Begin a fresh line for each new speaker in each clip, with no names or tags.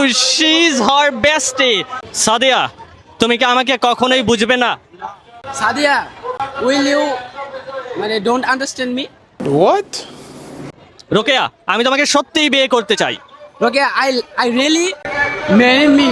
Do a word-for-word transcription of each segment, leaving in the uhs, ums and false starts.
she's her bestie. Sadia, তুমি কি আমাকে কখনোই বুঝবে না?
সাদিয়া, will you মানে don't understand me?
What?
Rokeya, আমি তোমাকে সত্যিই বিয়ে করতে চাই।
Okay, I I really marry me.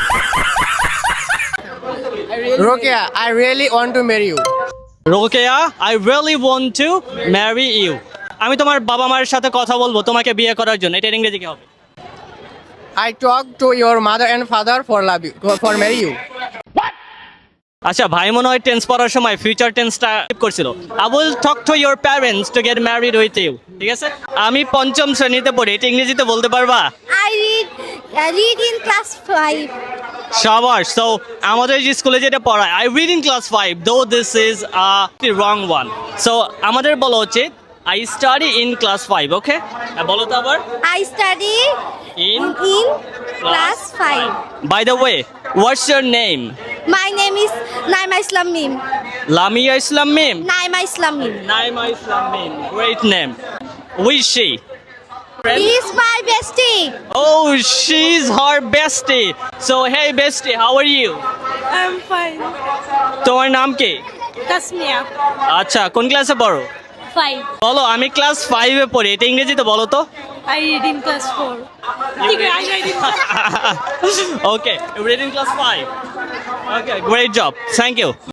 I really
Rokia, I really want to marry you.
Rokeya, I really want to marry you. আমি তোমার বাবা মায়ের সাথে কথা বলবো তোমাকে বিয়ে করার জন্য। এটা ইংরেজি কি হবে?
I talk to your mother and father for love you, for marry you.
আচ্ছা, ভাই মনে হয় টেন্স পড়ার সময় ফিউচার টেন্সটা করছিল। I will talk to your parents to get married with you. ঠিক আছে? আমি পঞ্চম শ্রেণীতে পড়ি, এটা ইংরেজিতে বলতে পারবা?
I read I read in class five.
শাবাশ। সো আমাদের যে স্কুলে যেটা পড়ায়, I read in class five, though this is a wrong one. So আমাদের বলা উচিত I study in class five, okay? বলো তো আবার।
I study
In
in class five.
By the way, what's your name?
My name is Naima Islam Mim.
Lamia Islam Mim.
Naima Islam Mim.
Naima Islam Mim. Great name. Who is she?
He is my bestie.
Oh, she's her bestie. So, hey bestie, how are you?
I'm fine.
তোমার নাম কি?
Tasmia.
আচ্ছা, কোন ক্লাসে পড়ো?
Five.
বলো, আমি class ফাইভে পড়ি। এটা ইংরেজিতে বলো তো।
I read in class four. Okay, I read in class
Okay, reading class five. Okay, great job. Thank you.